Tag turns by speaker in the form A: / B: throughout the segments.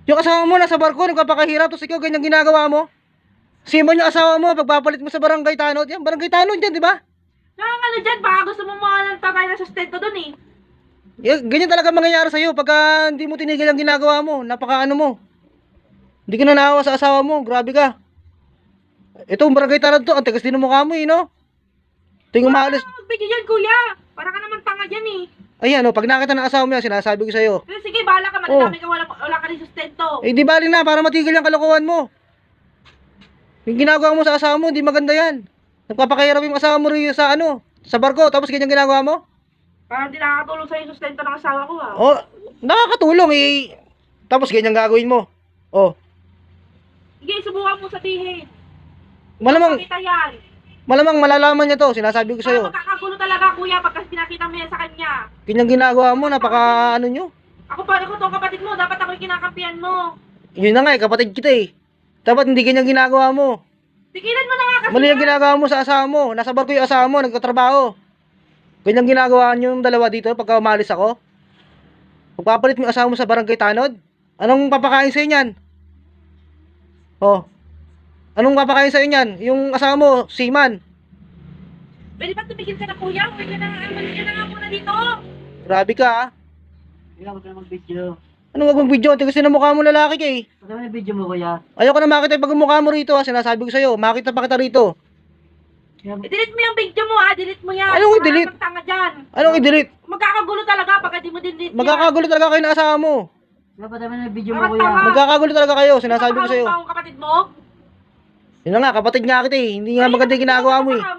A: Yung asawa mo nasa barko, nagpapakahirap, tapos ikaw ganyan ginagawa mo. Simon yung asawa mo, pagpapalit mo sa barangay tanod. Yan, barangay tanod yan, di ba?
B: Ano dyan, baka gusto mo mga ng tagay na sustento dun eh.
A: Ganyan talaga mangyayari sa'yo pagka hindi mo tinigil ang ginagawa mo. Napaka ano mo. Hindi ka na naawa sa asawa mo, grabe ka. Ito, barangay tanod to, ang tigas din ng mukha mo eh, no? Tingin maalis.
B: Magbigay dyan, kuya. Para ka naman tanga dyan eh.
A: Ayan, oh, pag nakita ng asawa mo yan, sinasabi ko sa'yo.
B: Pero sige, bahala ka, madami ka, wala ka rin sustento.
A: Eh, di bali na, para matigil ang kalokohan mo. Yung ginagawa mo sa asawa mo, hindi maganda yan. Nagpapakahirap yung asawa mo rin sa ano, sa barko, tapos ganyan ginagawa mo.
B: Parang di nakakatulong sa'yo yung sustento ng asawa ko ah.
A: Oh, nakakatulong eh. Tapos ganyan gagawin mo. Oh,
B: Sige, subukan mo sabihin.
A: malamang,
B: Pakita yan.
A: malamang malalaman niya to, sinasabi ko
B: Parang
A: sa'yo.
B: magkakagulo talaga, kuya, pagka pinakita mo yan sa kanya.
A: Ganyan ginagawa mo, napaka ano nyo.
B: Ako pa, ako tong kapatid mo, dapat ako yung kinakampihan mo.
A: Yun na nga eh, kapatid kita eh. Dapat hindi ganyan ginagawa mo.
B: Tigilan mo na nga kasi.
A: Mali yung ginagawa mo sa asawa mo. Nasa barko yung asawa mo, nagtatrabaho. Ganyan ginagawa nyo yung dalawa dito pagka umalis ako. Pagpapalit mo yung asawa mo sa barangay tanod. Anong papakain sa'yo niyan? Oh. Anong papakain sa'yo niyan? Yung asawa mo, seaman.
B: Pwede ba tumigil ka na, kuya? Pwede na nga, umalis ka na nga muna dito.
A: Grabe ka ah.
C: Kuya, huwag ka na mag-video.
A: Anong wag mong video? Tigas na mukha mo lalaki ka eh.
C: Ano naman yung video mo, kuya?
A: Ayoko na makita yung pagmumukha mo rito ha. Sinasabi ko sa'yo, makita pa kita rito.
B: I-delete mo yung video mo ha, delete mo yan.
A: Anong i-delete?
B: Parang tanga dyan.
A: Anong i-delete?
B: Magkakagulo talaga pag di mo delete yan.
A: Magkakagulo talaga kayo ng asawa mo.
C: Kuya, ba't naman yung video mo,
B: Parang
C: kuya?
B: tama.
A: Magkakagulo talaga kayo, sinasabi ko sa'yo.
B: Ang kapatid mo?
A: Yun na nga, kapatid nga kita eh. Hindi nga maganda yung ginagawa mo eh.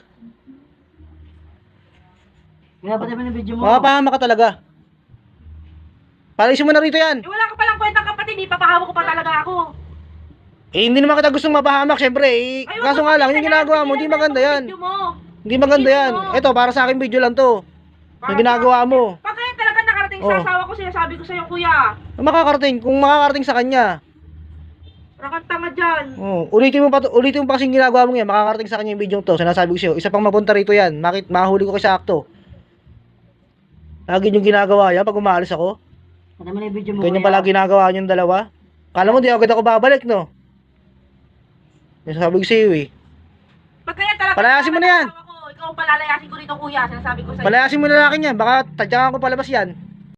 C: Kuya, ba't naman yung video mo?
A: Mapapahama ka talaga. Palisin mo na rito yan.
B: Eh, wala ka palang kwentang kapatid, ipapahawa ko pa talaga ako.
A: Eh, hindi naman kita gustong mapahamak, syempre. Eh,
B: Ay,
A: kaso nga lang, yung ginagawa mo, hindi maganda yan.
B: Video mo.
A: Hindi maganda yan. Ito, para sa akin video lang to. Yung ginagawa mo.
B: Pag kaya talaga nakarating sa
A: Oh.
B: asawa ko, sinasabi ko sa'yo, kuya.
A: Makakarating, kung makakarating sa kanya.
B: Parang kang tanga dyan.
A: Oh, ulitin mo pa kasing ginagawa mo yan, makakarating sa kanya yung video to. Sinasabi ko sa'yo, isa pang mapunta rito yan. Mahuli ko kayo sa akto. Lagi yung ginagawa yan pag umalis ako.
C: Ba't naman yung video mo,
A: Ganyan
C: kuya?
A: pala ginagawa niyong dalawa. Kala mo di agad ako babalik, no? Sinasabi ko sa'yo eh.
B: Pag kaya talaga
A: Palayasin mo na yan.
B: asawa ko, ikaw ang palalayasin ko rito, kuya. Sinasabi ko sa'yo.
A: Palayasin mo na lalaki niyan, baka tadyakan ko palabas yan.